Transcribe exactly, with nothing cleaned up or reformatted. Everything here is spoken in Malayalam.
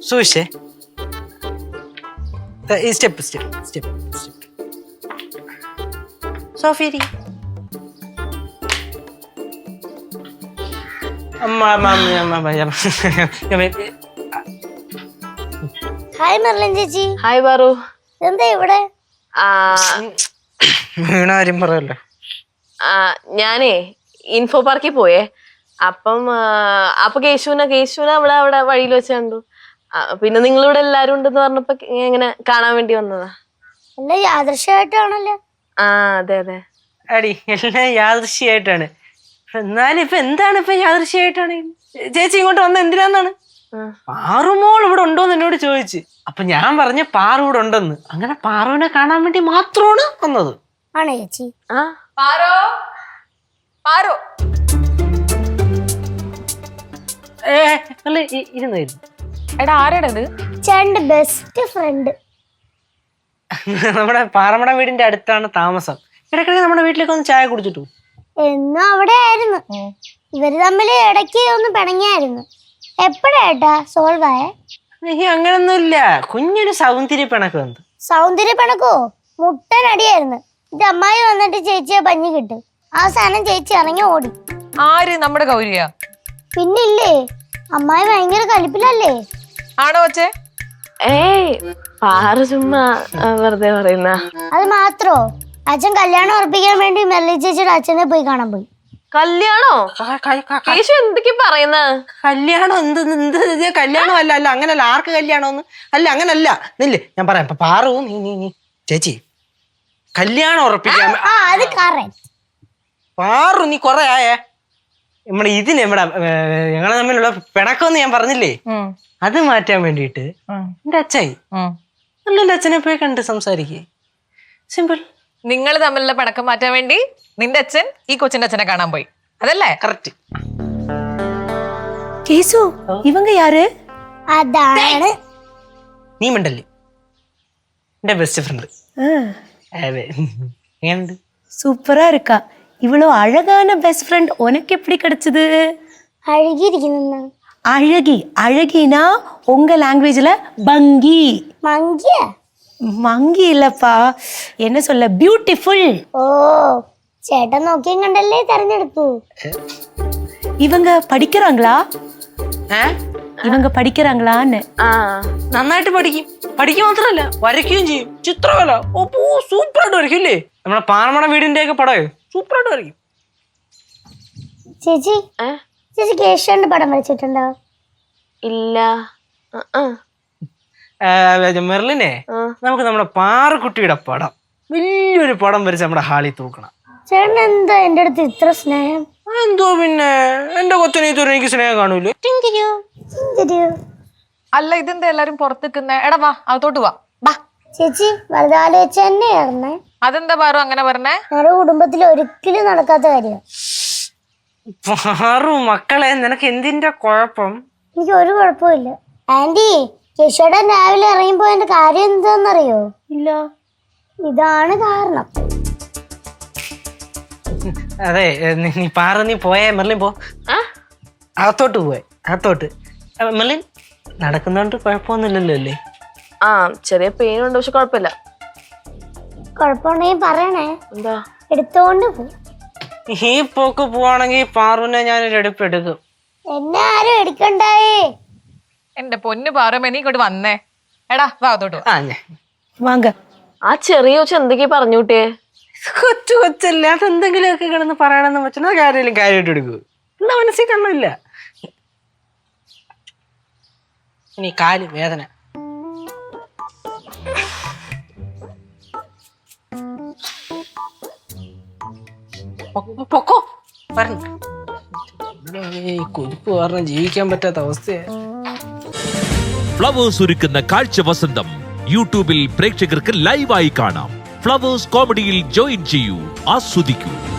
സൂക്ഷിച്ചേ. Step step step step. സോഫിയരി ഹായ് മെർലിൻ ചേച്ചി. ഹായ് ബാറു. എന്താ ഇവിടെ? വീണാരും പറയല്ലോ. ഞാനേ ഇൻഫോ പാർക്കിൽ പോയേ. അപ്പം അപ്പൊ കേശുവിനെ കേശുവിനെ അവിടെ അവിടെ വഴിയിൽ വെച്ച് കണ്ടു. പിന്നെ നിങ്ങളിവിടെ എല്ലാരും ഉണ്ടെന്ന് പറഞ്ഞപ്പോ ഇങ്ങനെ കാണാൻ വേണ്ടി വന്നതാ. എല്ലാം യാദൃശ്യമായിട്ടാണല്ലോ. ആ അതെ അതെ അടി, എല്ലാം യാദൃശ്യമായിട്ടാണ്. എന്നാലും ഇപ്പൊ എന്താണ് ഇപ്പൊ യാദൃശ്യമായിട്ടാണ്? ചേച്ചി ഇങ്ങോട്ട് വന്ന എന്തിനാന്നാണ്? പാറുമോൾ ഇവിടെ ഉണ്ടോന്ന് എന്നോട് ചോദിച്ചു. അപ്പൊ ഞാൻ പറഞ്ഞ പാറു ഇവിടെ ഉണ്ടെന്ന്. അങ്ങനെ പാറുവിനെ കാണാൻ വേണ്ടി മാത്രമാണ് വന്നത്. ആണോ ചേച്ചി? ആ പാറോ പാറോ ഏ അല്ല ഇരുന്നായിരുന്നു. എടാ ആരാടത്? ചേട്ടന്റെ ബെസ്റ്റ് ഫ്രണ്ട്. നമ്മുടെ പാറമട വീടിന്റെ അടുത്താണ് താമസം. ഇടയ്ക്കിടയ്ക്ക് നമ്മുടെ വീട്ടിലേക്ക് ഒന്ന് ചായ കുടിച്ചിട്ടു. എന്നും അവിടെ ആയിരുന്നു. ഇവര് തമ്മില് ഇടയ്ക്ക് ഒന്ന് പിണങ്ങിയായിരുന്നു. എപ്പോഴാട്ടാ സോൾവ് ആയേ? അങ്ങനൊന്നുമില്ല, കുഞ്ഞൊരു സൗന്ദര്യ പിണക്ക് വന്നു. സൗന്ദര്യ പിണക്കോ? മുട്ടനടിയായിരുന്നു. ഇത് അമ്മായി വന്നിട്ട് ചേച്ചിയെ പഞ്ഞി കിട്ടും. അവസാനം ചേച്ചി ഇറങ്ങി ഓടി. ആര്? നമ്മുടെ ഗൗരിയ? പിന്നില്ലേ, അമ്മായി ഭയങ്കര കലിപ്പിലല്ലേ? ആണോ അച്ഛേ? ഏയ് പാറു ചുമ്മാ വെറുതെ പറയുന്ന. അത് മാത്രോ, അച്ഛൻ കല്യാണം ഉറപ്പിക്കാൻ വേണ്ടി മെർലി ചേച്ചിയുടെ അച്ഛനെ പോയി കാണാൻ പോയി. കല്യാണോ? കേശു എന്തൊക്കെ പറയുന്ന? കല്യാണം എന്ത് എന്ത് കല്യാണം അല്ല അല്ല അങ്ങനല്ല. ആർക്ക് കല്യാണോന്ന് അല്ല, അങ്ങനല്ല. നില്ലേ ഞാൻ പറയാം. ഇപ്പൊ പാറു നീ നീ നീ ചേച്ചി കല്യാണം ഉറപ്പിക്കാൻ പാറു നീ കൊറേ ആയേ. നമ്മുടെ ഇതിന് ഇവിടെ ഞങ്ങളെ തമ്മിലുള്ള പിണക്കമെന്ന് ഞാൻ പറഞ്ഞില്ലേ, അത് മാറ്റാൻ വേണ്ടിട്ട് എന്റെ അച്ഛായി നല്ലല്ലോ അച്ഛനെ പോയി കണ്ട് സംസാരിക്കേ. സിമ്പിൾ. നിങ്ങൾ തമ്മിലുള്ള പിണക്കം മാറ്റാൻ വേണ്ടി നിന്റെ അച്ഛൻ ഈ കൊച്ചിന്റെ അച്ഛനെ കാണാൻ പോയി, അതല്ലേ? കറക്റ്റ്. കേസു ഇവങ്ക യാര്? അതാണ് നീ മിണ്ടല്ലേ, എന്റെ ബെസ്റ്റ് ഫ്രണ്ട്. അതെ, എങ്ങനെയുണ്ട്? சூப்பரா இருக்கா. இவ்வளோ அழகான பெஸ்ட் ஃப்ரெண்ட் உனக்கு எப்படி கிடைச்சது? അഴുകിയിരിക്കുന്ന. அழகி. அழகினா உங்க லாங்குவேஜ்ல பங்கி. മങ്കിയ? மங்கி இல்லப்பா, என்ன சொல்ல, பியூட்டிஃபுல். ഓ, ചേട്ടൻ നോക്കിയും കണ്ടല്ലേ തെരഞ്ഞെടുത്തു. இவங்க படிக்கிறாங்களா? ഇവങ്ക പഠിക്കറാങ്ങളാന്ന്? ആ നന്നായിട്ട് പഠിക്കും. പഠിക്കുക മാത്രല്ല വരയ്ക്കുകയും ചെയ്യും. ചിത്രകല ഓ സൂപ്പറായിട്ട് വരയ്ക്കും ഇല്ലേ? നമ്മുടെ പാറമട വീടിന്റെ ഒക്കെ പടം സൂപ്പറായിട്ട് വരയ്ക്കും. ചേച്ചി ചേച്ചി കേശവന്റെ പടം വരച്ചിട്ടുണ്ടോ? ഇല്ല. മെർലിനെ, നമുക്ക് നമ്മുടെ പാറക്കുട്ടിയുടെ പടം വലിയൊരു പടം വരച്ച് നമ്മുടെ ഹാളിൽ തൂക്കണം. ചേട്ടൻ എന്താ എന്റെ അടുത്ത് ഇത്ര സ്നേഹം? എന്തോ പിന്നെ എന്റെ കൊച്ചനെ ഇതുവരെ എനിക്ക് സ്നേഹം കാണൂലേ? അല്ല ഇതെന്താ എല്ലാരും പുറത്തേക്കുന്ന? എടാ വാ അകത്തോട്ട് വാ. ചേച്ചി വെറുതെ ആലോചിച്ച തന്നെ ആയിരുന്നേ. അതെന്താ പാറു അങ്ങനെ പറഞ്ഞേ? ഞങ്ങളുടെ കുടുംബത്തിൽ ഒരിക്കലും നടക്കാത്ത കാര്യം. പാറു മക്കളെ, നിനക്ക് എന്തിന്റെ കുഴപ്പം? എനിക്ക് ഒരു കുഴപ്പമില്ല ആന്റി. കേശവടൻ രാവിലെ ഇറങ്ങിപ്പോയതിന്റെ കാര്യം എന്താന്നറിയോ? ഇല്ല. ഇതാണ് കാരണം. അതെ, നീ പാറ നീ പോയേ. മെർലിൻ പോ, അകത്തോട്ട് പോയെ. അകത്തോട്ട് മെർലിൻ നടക്കുന്നോണ്ട് കുഴപ്പമൊന്നുമില്ലല്ലോ അല്ലേ? ആ ചെറിയ പെയിൻ ഉണ്ട്, പക്ഷെ കുഴപ്പമില്ല. കുഴപ്പമുണ്ടെങ്കിൽ പറയണേ, എന്താ? എടുത്തോണ്ട് പോ. ഈ പോക്ക് പോവാണെങ്കിൽ പാറുവിനെ ഞാനൊരു എടുപ്പ് എടുക്കും. എന്നെ ആരും എടുക്കണ്ടായേ. എന്റെ പൊന്നു പാറു, നീ ഇങ്ങോട്ട് വന്നേ. എടാ വാ അകത്തോട്ട് വാ. ആ ഞാൻ വാങ്ക. ആ ചെറിയ കൊച്ചു എന്തൊക്കെയാ പറഞ്ഞൂട്ടേ? കൊച്ചു കൊച്ചല്ലേ, അതെന്തെങ്കിലുമൊക്കെ കിടന്ന് പറയണമെന്ന് വെച്ചാൽ കാര്യം കാര്യമായിട്ട് എടുക്കൂ. എന്നാ മനസ്സിൽ കണ്ണില്ല. ഇനി കാല് വേദന. പൊക്കോ പറഞ്ഞു. കൊതുപ്പ് കാരണം ജീവിക്കാൻ പറ്റാത്ത അവസ്ഥയാ. ഫ്ലവേഴ്സ് ഒരുക്കുന്ന കാഴ്ച വസന്തം യൂട്യൂബിൽ പ്രേക്ഷകർക്ക് ലൈവായി കാണാം. ഫ്ലവേഴ്സ് കോമഡിയിൽ ജോയിൻ ചെയ്യൂ, ആസ്വദിക്കൂ.